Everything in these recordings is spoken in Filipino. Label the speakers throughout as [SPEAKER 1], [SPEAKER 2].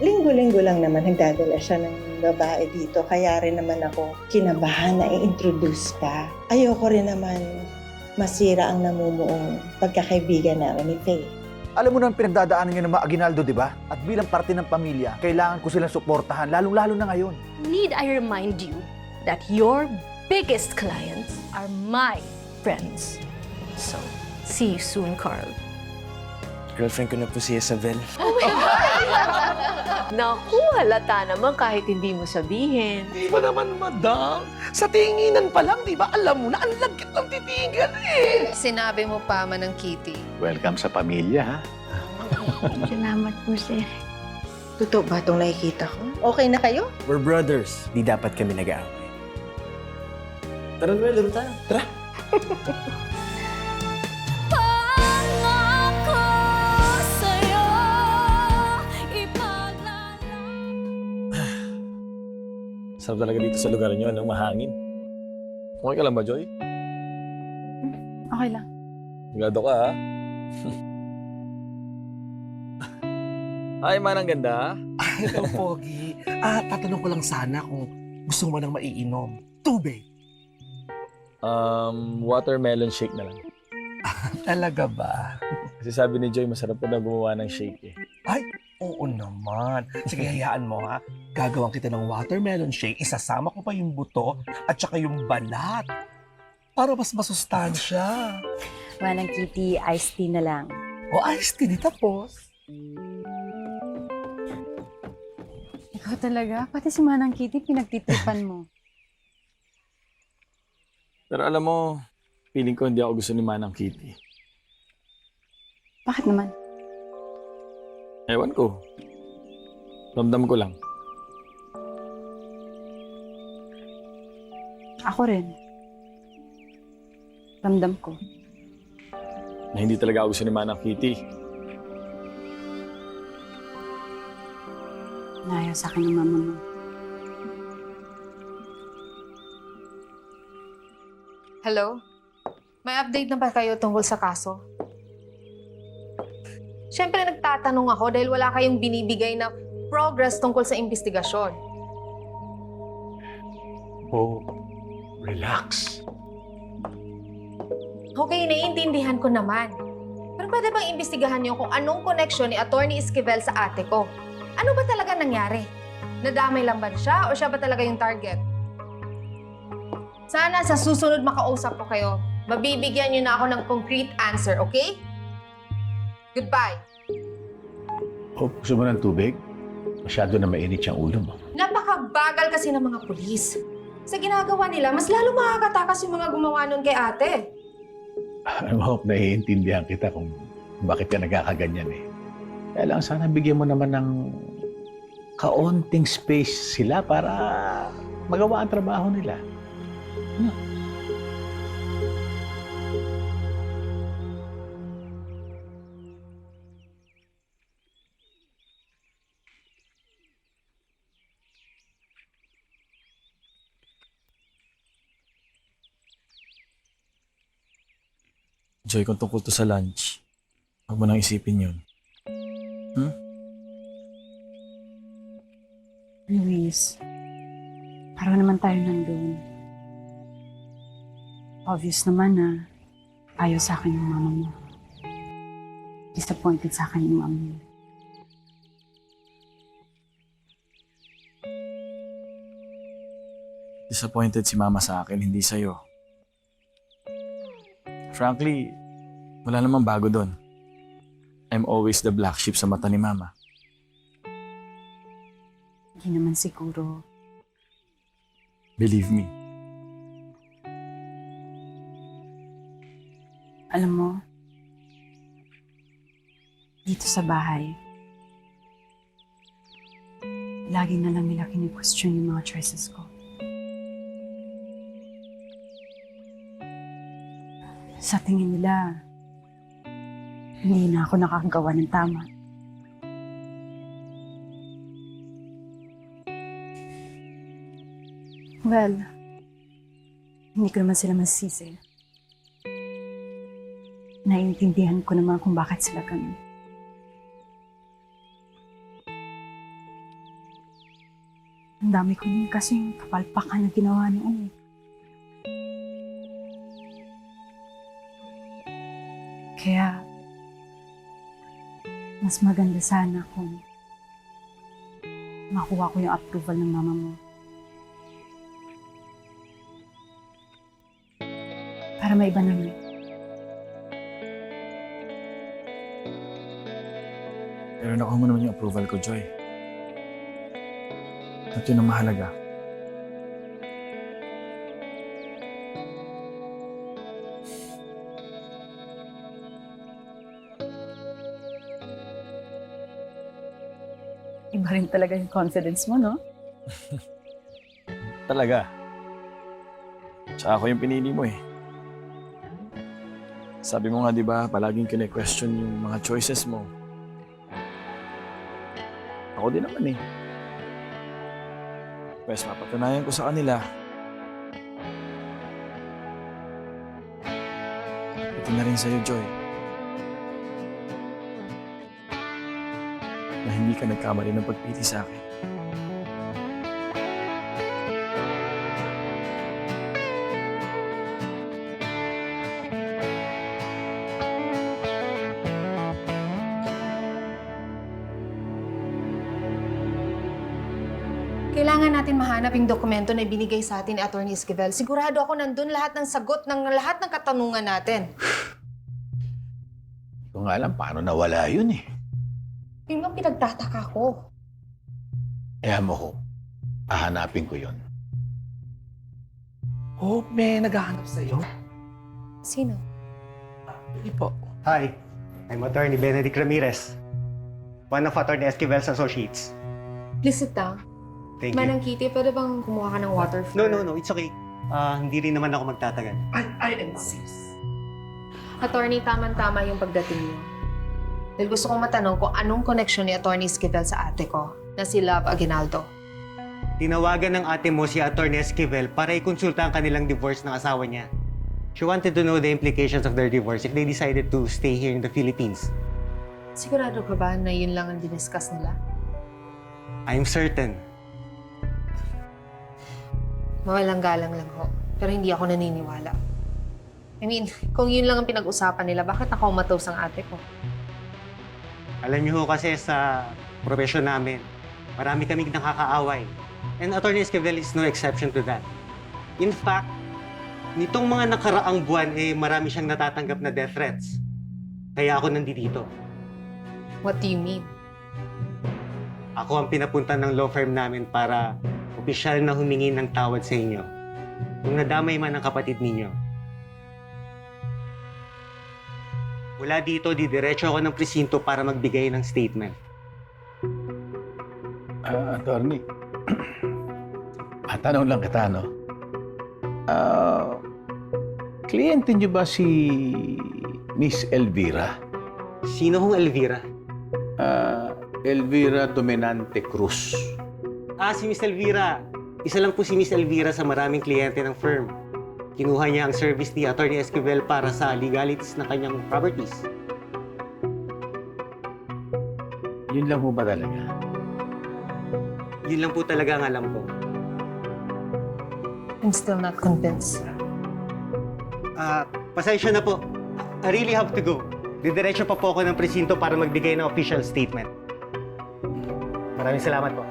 [SPEAKER 1] linggo-linggo lang naman nagdadala siya ng babae dito. Kaya rin naman ako kinabahan na i-introduce ka. Ayoko rin naman masira ang namumuong pagkakaibigan namin ni Faye.
[SPEAKER 2] Alam mo naman pinagdadaanan niya ng mga Aguinaldo, di ba? At bilang parte ng pamilya, kailangan ko silang suportahan, lalong-lalo na ngayon.
[SPEAKER 3] Need I remind you that your biggest clients are my friends. So, see you soon, Carl.
[SPEAKER 4] Girlfriend ko na po si Isabel.
[SPEAKER 5] Naku, halata naman kahit hindi mo sabihin.
[SPEAKER 6] Di ba naman, madam? Sa tinginan pa lang, di ba? Alam mo na, ang lagkit ng titigan eh.
[SPEAKER 7] Sinabi mo pa man ng Kitty.
[SPEAKER 2] Welcome sa pamilya, ha?
[SPEAKER 8] Salamat po, sir.
[SPEAKER 1] Totoo ba itong nakikita ko? Okay na kayo?
[SPEAKER 4] We're brothers. Di dapat kami nag-aaway. Tara, Noel, laro tayo. Tara. Sarap talaga dito sa lugar niyo, anong mahangin. Okay ka lang ba, Joy?
[SPEAKER 8] Okay lang.
[SPEAKER 4] Sigado ka, ha? Ay, manang ganda.
[SPEAKER 6] Hello, Pogi. Tatanong ko lang sana kung gusto mo nang maiinom. Tubig.
[SPEAKER 4] Watermelon shake na lang.
[SPEAKER 6] Talaga ba?
[SPEAKER 4] Kasi sabi ni Joy, masarap po na gumawa ng shake eh.
[SPEAKER 6] Ay, oo naman. Sige, hayaan mo ha. Gagawan kita ng watermelon shake. Isasama ko pa yung buto at saka yung balat. Para mas masustansya.
[SPEAKER 8] Manang Kitty, iced tea na lang.
[SPEAKER 6] O iced tea, di tapos.
[SPEAKER 8] Ikaw talaga? Pati si Manang Kitty, pinagtitripan mo.
[SPEAKER 4] Pero alam mo, feeling ko hindi ako gusto ni Manang Kitty.
[SPEAKER 8] Bakit naman?
[SPEAKER 4] Ewan ko. Ramdam ko lang.
[SPEAKER 8] Ako rin. Ramdam ko.
[SPEAKER 4] Na hindi talaga ako gusto ni Manang Kitty.
[SPEAKER 8] Nayaw sa akin ng mama mo.
[SPEAKER 7] Hello? May update na ba kayo tungkol sa kaso? Siyempre nagtatanong ako dahil wala kayong binibigay na progress tungkol sa investigasyon.
[SPEAKER 2] Oh, relax.
[SPEAKER 7] Okay, naiintindihan ko naman. Pero pwede bang imbestigahan niyo kung anong koneksyon ni Attorney Esquivel sa ate ko? Ano ba talaga nangyari? Nadamay lang ba siya o siya ba talaga yung target? Sana sa susunod makausap ko kayo, mabibigyan niyo na ako ng concrete answer, okay? Goodbye.
[SPEAKER 2] Oh, gusto mo ng tubig? Masyado na mainit yung ulo mo.
[SPEAKER 7] Napakabagal kasi ng mga pulis. Sa ginagawa nila, mas lalo makakatakas yung mga gumawa nun kay ate.
[SPEAKER 2] I hope naiintindihan kita kung bakit ka nagkakaganyan eh. Kaya lang sana bigyan mo naman ng kaunting space sila para magawa ang trabaho nila. No.
[SPEAKER 4] Joy, kung tungkol to sa lunch, huwag mo nang isipin yun.
[SPEAKER 8] Luis, parang naman tayo nandun. Obvious naman na ayaw sa akin yung mama mo. Disappointed sa akin yung mama mo.
[SPEAKER 4] Disappointed si Mama sa akin, hindi sa'yo. Frankly, wala namang bago doon. I'm always the black sheep sa mata ni Mama.
[SPEAKER 8] Hindi naman siguro.
[SPEAKER 4] Believe me.
[SPEAKER 8] Alam mo, dito sa bahay, lagi na lang nila kini-question yung mga choices ko. Sa tingin nila, hindi na ako nakakagawa ng tama. Well, hindi ko naman sila masisi. Naiintindihan ko naman kung bakit sila ganun. Ang dami ko din kasing kapalpakan na ginawa noon. Kaya, mas maganda sana kung makuha ko yung approval ng mama mo. Para maiba naman.
[SPEAKER 4] Pero nakuha mo naman yung approval ko, Joy. At yun ang mahalaga.
[SPEAKER 8] Iba rin talaga yung confidence mo, no?
[SPEAKER 4] Talaga. Tsaka ako yung pinili mo eh. Sabi mo nga, di ba, palaging kine-question yung mga choices mo. Ako din naman eh. Pues mapatunayan ko sa kanila. Ito na rin sa'yo, Joy. Na hindi ka nagkamali ng pagpili sa akin.
[SPEAKER 7] Kailangan natin mahanap yung dokumento na ibinigay sa atin ni Atty. Esquivel. Sigurado ako nandun lahat ng sagot ng lahat ng katanungan natin.
[SPEAKER 2] Hindi ko nga alam paano nawala yun eh.
[SPEAKER 7] Yun ang pinagtataka ko.
[SPEAKER 2] Kaya mo ko, hahanapin ko yun.
[SPEAKER 6] Oh, may naghahanap sa'yo.
[SPEAKER 7] Sino?
[SPEAKER 6] Hindi po.
[SPEAKER 9] Hi, I'm Attorney Benedict Ramirez, one of Attorney Esquivel's associates.
[SPEAKER 7] Please sit down.
[SPEAKER 9] Thank you.
[SPEAKER 7] Manang Kitty, pwede bang kumuha ka ng water for...
[SPEAKER 9] No, it's okay. Hindi rin naman ako magtatagal.
[SPEAKER 6] I insist.
[SPEAKER 7] Attorney, tama-tama yung pagdating niyo. Dahil gusto kong matanong kung anong connection ni Atty. Esquivel sa ate ko, na si Love Aguinaldo.
[SPEAKER 9] Tinawagan ng ate mo si Attorney Esquivel para ikonsulta ang kanilang divorce ng asawa niya. She wanted to know the implications of their divorce if they decided to stay here in the Philippines.
[SPEAKER 7] Sigurado ka ba na yun lang ang diniscuss nila?
[SPEAKER 9] I'm certain.
[SPEAKER 7] Mawalang galang lang ho. Pero hindi ako naniniwala. I mean, kung yun lang ang pinag-usapan nila, bakit nakaumatos ang ate ko?
[SPEAKER 9] Alam niyo ho kasi sa profesyon namin, marami kaming nakakaaway. And Attorney Esquivel is no exception to that. In fact, nitong mga nakaraang buwan, marami siyang natatanggap na death threats. Kaya ako nandito.
[SPEAKER 7] What do you mean?
[SPEAKER 9] Ako ang pinapunta ng law firm namin para opisyal na humingi ng tawad sa inyo. Kung nadamay man ang kapatid ninyo. Mula dito, didiretso ako ng presinto para magbigay ng statement.
[SPEAKER 2] Attorney, tanong lang kita, no? Kliyente niyo ba si Miss Elvira?
[SPEAKER 9] Sino hong Elvira?
[SPEAKER 2] Elvira Dominante Cruz.
[SPEAKER 9] Si Miss Elvira. Isa lang po si Miss Elvira sa maraming kliyente ng firm. Kinuha niya ang service ni Attorney Esquivel para sa legalities ng kanyang properties.
[SPEAKER 2] Yun lang po ba talaga?
[SPEAKER 9] Yun lang po talaga ang alam ko.
[SPEAKER 7] I'm still not convinced.
[SPEAKER 9] Pasensya na po. I really have to go. Didiretso pa po ako ng presinto para magbigay ng official statement. Maraming salamat po.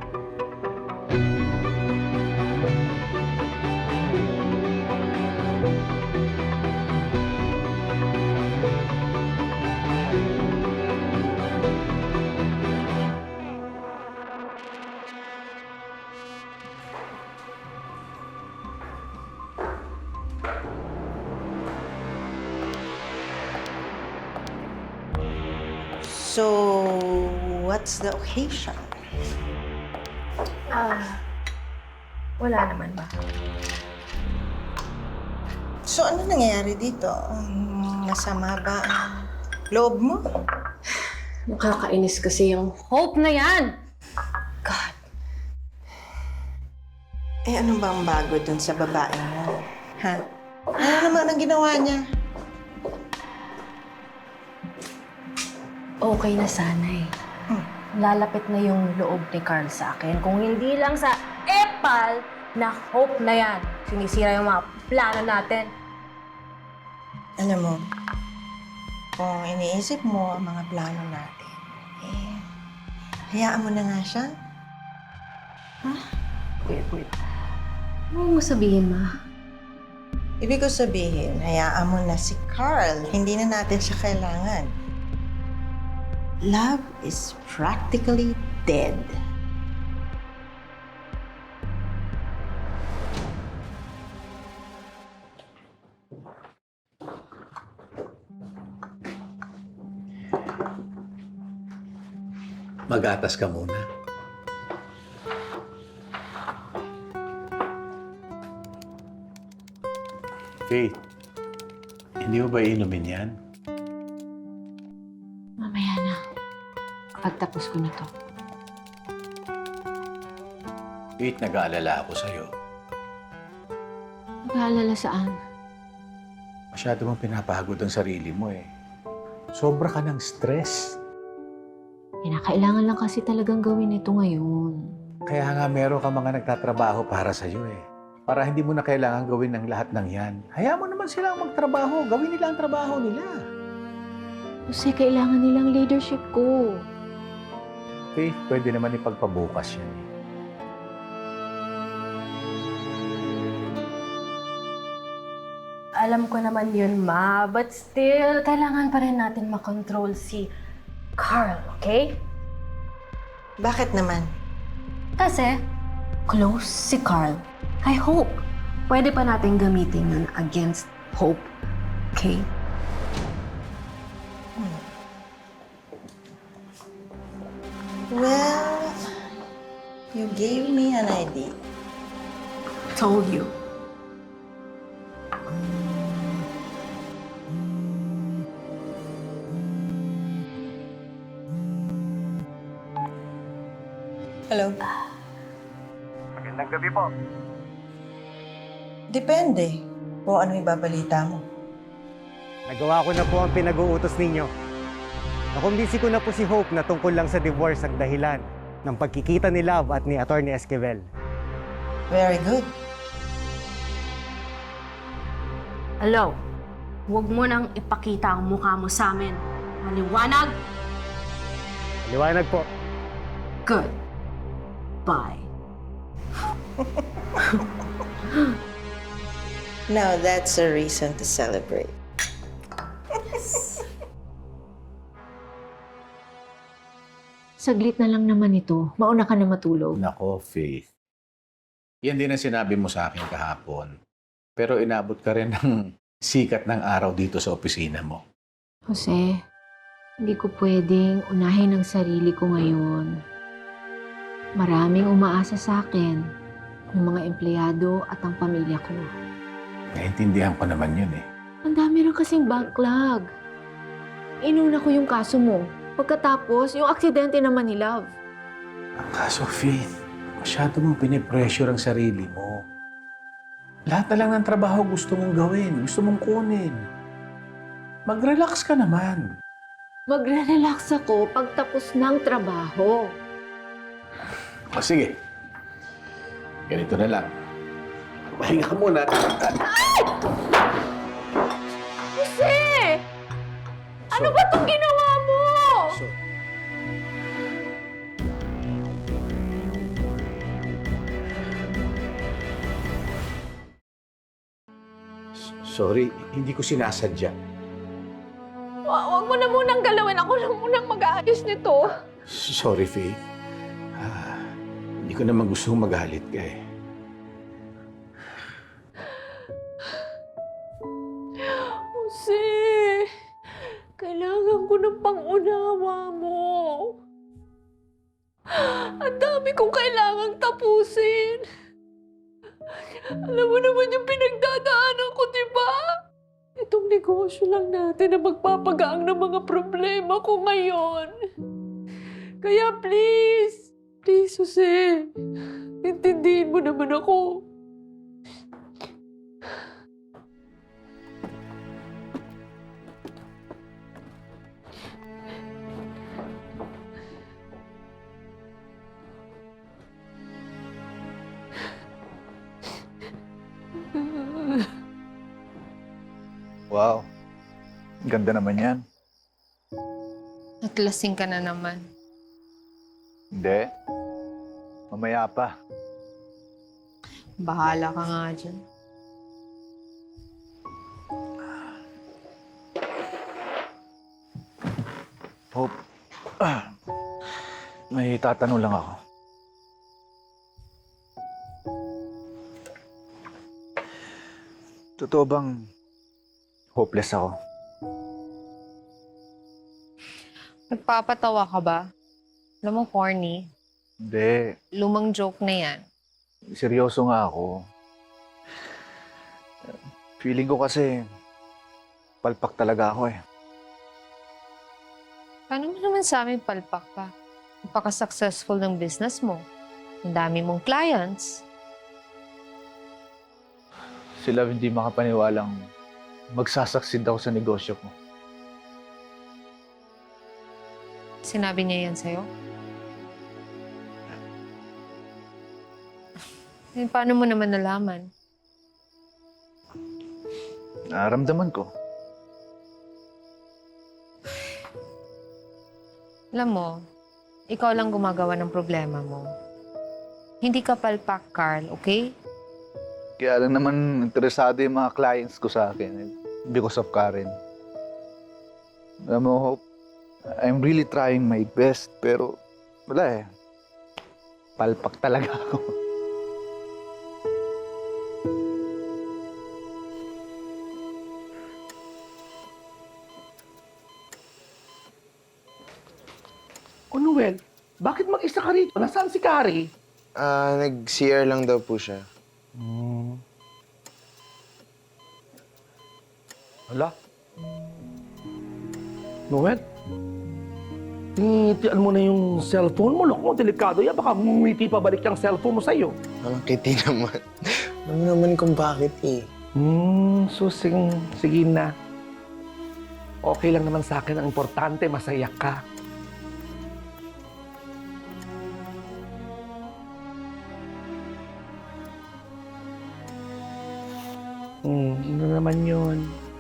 [SPEAKER 1] So, what's the occasion?
[SPEAKER 7] Wala naman ba?
[SPEAKER 1] So, ano nangyayari dito? Masama ba ang loob mo?
[SPEAKER 3] Nakakainis kasi yung hope na yan. God.
[SPEAKER 1] Ano ba ang bago dun sa babae mo? Ha? Ano naman ang ginawa niya?
[SPEAKER 3] Okay na sana eh. lalapit na yung loob ni Carl sa akin. Kung hindi lang sa epal na hope na yan, sinisira yung mga plano natin.
[SPEAKER 1] Alam mo, kung iniisip mo ang mga plano natin, hayaan mo na nga siya.
[SPEAKER 3] Wait. Ano mo sabihin, Ma?
[SPEAKER 1] Ibig ko sabihin, hayaan mo na si Carl. Hindi na natin siya kailangan. Love is practically dead.
[SPEAKER 2] Mag-atas ka muna. Faith, hindi mo ba inumin yan?
[SPEAKER 8] Mamaya na. Pagtapos ko na to.
[SPEAKER 2] Faith, nag-aalala ako sa'yo.
[SPEAKER 8] Mag-aalala saan?
[SPEAKER 2] Masyado mong pinapagod ang sarili mo eh. Sobra ka ng stress.
[SPEAKER 8] Kailangan lang kasi talagang gawin ito ngayon.
[SPEAKER 2] Kaya nga meron ka mga nagtatrabaho para sa'yo eh. Para hindi mo na kailangan gawin ng lahat ng yan. Hayaan mo naman silang magtrabaho. Gawin nila ang trabaho nila.
[SPEAKER 8] Kasi kailangan nilang leadership ko.
[SPEAKER 2] Faith, pwede naman ipagpabukas yan eh.
[SPEAKER 3] Alam ko naman yun, Ma. But still, kailangan pa rin natin makontrol si Carl, okay?
[SPEAKER 1] Bakit naman?
[SPEAKER 3] Kasi, close si Carl kay Hope. Pwede pa natin gamitin yun against Hope, okay?
[SPEAKER 1] Well, you gave me an idea.
[SPEAKER 3] Told you.
[SPEAKER 1] Hello?
[SPEAKER 6] Magandang gabi po.
[SPEAKER 1] Depende kung ano ibabalita mo.
[SPEAKER 9] Nagawa ko na po ang pinag-uutos ninyo. Nakumbinsi ko na po si Hope na tungkol lang sa divorce ang dahilan ng pagkikita ni Love at ni Atty. Esquivel.
[SPEAKER 1] Very good.
[SPEAKER 3] Hello, huwag mo nang ipakita ang mukha mo sa amin. Maliwanag?
[SPEAKER 9] Liwanag po.
[SPEAKER 3] Good. Bye.
[SPEAKER 1] Now that's a reason to celebrate.
[SPEAKER 8] Saglit na lang naman ito. Mauna ka na matulog.
[SPEAKER 2] Nako, Faith. Yan din ang sinabi mo sa akin kahapon. Pero inabot ka rin ng sikat ng araw dito sa opisina mo.
[SPEAKER 8] Jose, hindi ko pwedeng unahin ang sarili ko ngayon. Maraming umaasa sa akin, ng mga empleyado at ang pamilya ko.
[SPEAKER 2] Naintindihan ko naman yun eh.
[SPEAKER 8] Ang dami rin kasing backlog. Inuna ko yung kaso mo. Pagkatapos, yung aksidente naman ni Love.
[SPEAKER 2] Ang kaso, Faith, masyado mong pinipressure ang sarili mo. Lahat na lang ng trabaho gusto mong gawin, gusto mong kunin. Mag-relax ka naman.
[SPEAKER 8] Magre-relax ako pagtapos ng trabaho.
[SPEAKER 2] O sige, ganito na lang. Pahinga ka muna.
[SPEAKER 3] Jose! Ano ba itong ginawa mo?
[SPEAKER 2] Sorry, hindi ko sinasadya.
[SPEAKER 3] Huwag mo na munang galawin. Ako lang munang mag-aayos nito.
[SPEAKER 2] Sorry, Faith. Hindi ko naman gustong magalit ka eh.
[SPEAKER 5] Jose, kailangan ko ng pang-unawa mo. Ang dami kong kailangang tapusin. Alam mo naman yung pinagdadaanan ko, di ba? Itong negosyo lang natin na magpapagaang ng mga problema ko ngayon. Kaya please, Jose, intindihin mo naman ako.
[SPEAKER 2] Wow. Ganda naman yan.
[SPEAKER 7] Naglasing ka na naman.
[SPEAKER 2] Hindi. Mamaya pa.
[SPEAKER 7] Bahala ka nga dyan.
[SPEAKER 2] Hope. May tatanong lang ako. Totoo bang hopeless ako?
[SPEAKER 7] Nagpapatawa ka ba? Alam mo, corny.
[SPEAKER 2] Hindi.
[SPEAKER 7] Lumang joke na yan.
[SPEAKER 2] Seryoso nga ako. Feeling ko kasi palpak talaga ako eh.
[SPEAKER 7] Paano mo naman sa amin palpak ka? Napaka-successful ng business mo. Ang dami mong clients.
[SPEAKER 2] Sila hindi makapaniwalang magsasaksid ako sa negosyo ko.
[SPEAKER 7] Sinabi niya yan sa'yo? Eh, paano mo naman nalaman?
[SPEAKER 2] Naramdaman ko.
[SPEAKER 7] Alam mo, ikaw lang gumagawa ng problema mo. Hindi ka palpak, Carl, okay?
[SPEAKER 2] Kaya lang naman interesado yung mga clients ko sa akin because of Karen. Alam mo, Hope, I'm really trying my best pero wala eh. Palpak talaga ako.
[SPEAKER 6] O Noel, bakit mag-isa ka rito? Nasaan si Kari?
[SPEAKER 10] Nag-CR lang daw po siya.
[SPEAKER 6] Hala? Noel? Tingitian mo na yung cellphone mo. Loko, delikado yan. Baka ngumiti pa balik yung cellphone mo sa'yo.
[SPEAKER 10] Walang kiti naman. Alam mo naman kung bakit eh.
[SPEAKER 6] Sige na. Okay lang naman sa akin. Ang importante, masaya ka. Ano naman yun?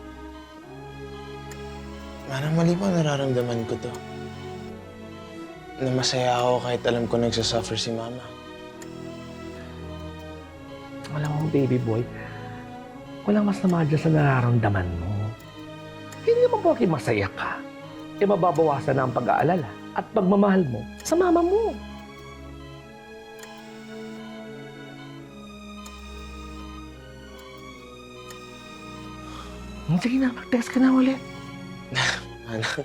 [SPEAKER 10] Parang mali pa nararamdaman ko to. Na masaya ako kahit alam ko nagsasuffer si Mama.
[SPEAKER 6] Alam mo, baby boy, walang mas nama dyan sa nararamdaman mo. Hindi naman porke masaya ka, eh mababawasan na ang pag-aalala at pagmamahal mo sa mama mo. Sige na, mag-text ka na ulit.
[SPEAKER 10] Anak,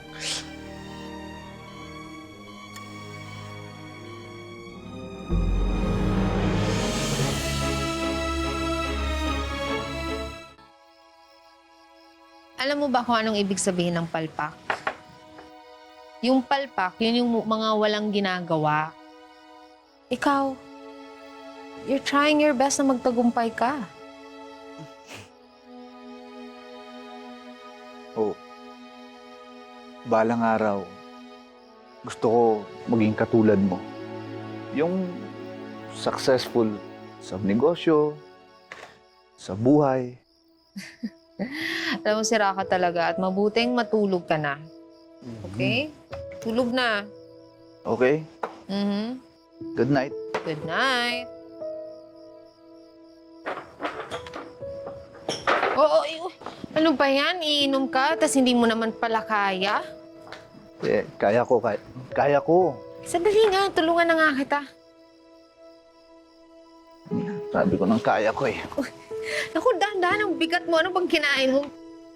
[SPEAKER 7] Alam mo ba kung anong ibig sabihin ng palpak? Yung palpak, yun yung mga walang ginagawa. Ikaw, you're trying your best na magtagumpay ka.
[SPEAKER 2] Oh, balang araw, gusto ko maging katulad mo. Yung successful sa negosyo, sa buhay.
[SPEAKER 7] Alam mo, sira ka talaga at mabuting matulog ka na. Okay? Tulog na.
[SPEAKER 2] Okay? Good night.
[SPEAKER 7] Good night. Oo, ano ba yan? Iinom ka, tas hindi mo naman pala kaya?
[SPEAKER 2] Eh, kaya ko. Kaya ko.
[SPEAKER 7] Sandali nga, tulungan na nga kita.
[SPEAKER 2] Sabi ko nang kaya ko eh.
[SPEAKER 7] Naku, dahan-dahan ang bigat mo. Ano bang kinain mo?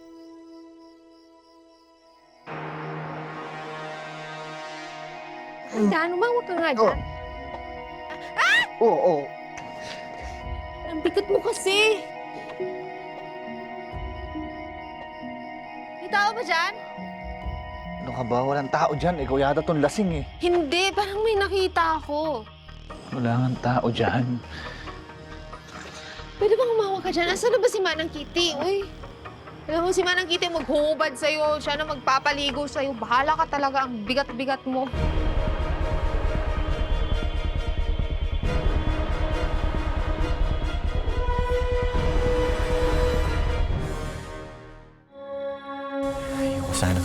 [SPEAKER 7] Dahan, umawag ka nga dyan.
[SPEAKER 2] Oo.
[SPEAKER 7] Ang bigat mo kasi. May tao ba dyan?
[SPEAKER 2] Ano ka ba? Walang tao dyan. Ikaw yata tong lasing eh.
[SPEAKER 7] Hindi, parang may nakita ako.
[SPEAKER 2] Wala nga tao dyan.
[SPEAKER 7] Pwede bang umawag ka dyan? Asan na ba si Manang Kitty? Uy, alam mo si Manang Kitty maghuhubad sa'yo. Siya na magpapaligo sa'yo. Bahala ka talaga. Ang bigat-bigat mo.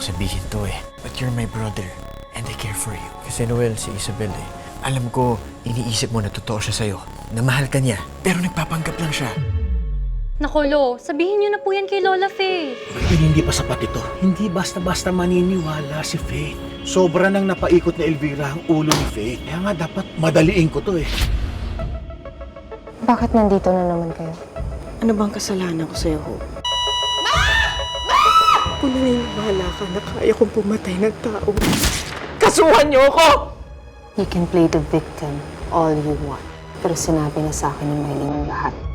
[SPEAKER 4] ayokong sabihin to eh. But you're my brother and I care for you. Kasi Noel, si Isabel eh. Alam ko, iniisip mo na totoo siya sa'yo. Na mahal ka niya. Pero nagpapanggap lang siya.
[SPEAKER 3] Nako, Lo, sabihin niyo na po yan kay Lola Faye.
[SPEAKER 2] Pero hindi pa sapat ito. Hindi basta-basta maniniwala si Faith. Sobra nang napaikot ni Elvira ang ulo ni Faith. Kaya nga dapat madaliin ko to eh.
[SPEAKER 7] Bakit nandito na naman kayo?
[SPEAKER 5] Ano bang kasalanan ko sa'yo, Hope? Kung naniniwala ka na kaya kong pumatay ng tao, kasuhan niyo ako!
[SPEAKER 8] You can play the victim all you want. Pero sinabi na sa akin ni Mylene ang lahat.